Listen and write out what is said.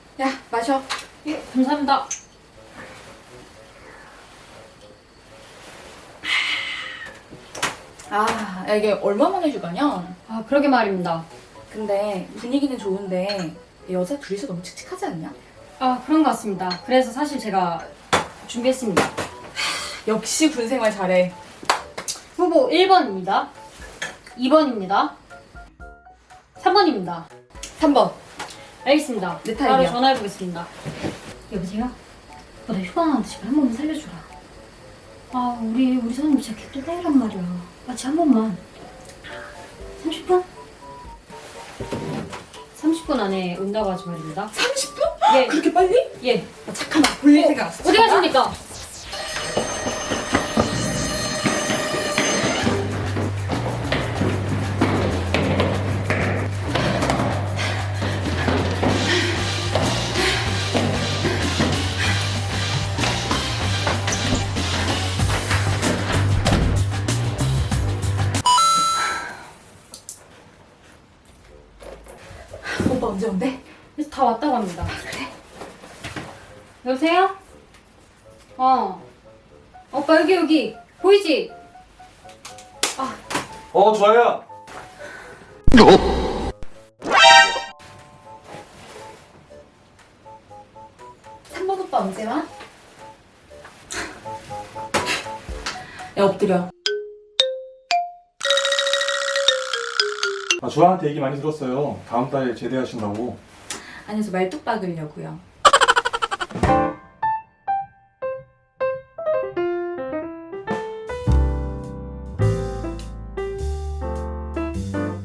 야, 마셔. 예, 감사합니다. 아, 야, 이게 얼마 만에 휴가냐? 아, 그러게 말입니다. 근데 분위기는 좋은데 여자 둘이서 너무 칙칙하지 않냐? 아, 그런 것 같습니다. 그래서 사실 제가 준비했습니다. 역시 군 생활 잘해. 후보 1번입니다. 2번입니다. 3번입니다. 3번. 알겠습니다. 내 바로 타입이야. 전화해보겠습니다. 여보세요? 나 휴가 나왔는데 제발 한 번만 살려주라. 아, 우리 선생님 진짜 개또다이란 말이야. 아, 진짜 한 번만. 30분? 30분 안에 온다고 하지 말입니다. 30분? 예. 그렇게 빨리? 예. 아, 잠깐만. 볼일 생각 안 했어. 어디 가십니까? 오빠 언제 온대? 그래서 다 왔다고 합니다. 그래? 여보세요? 오빠 여기 보이지? 좋아요. 3번 오빠 언제 와? 야, 엎드려. 주아한테 얘기 많이 들었어요. 다음 달에 제대하신다고. 안에서 말뚝 박으려고요.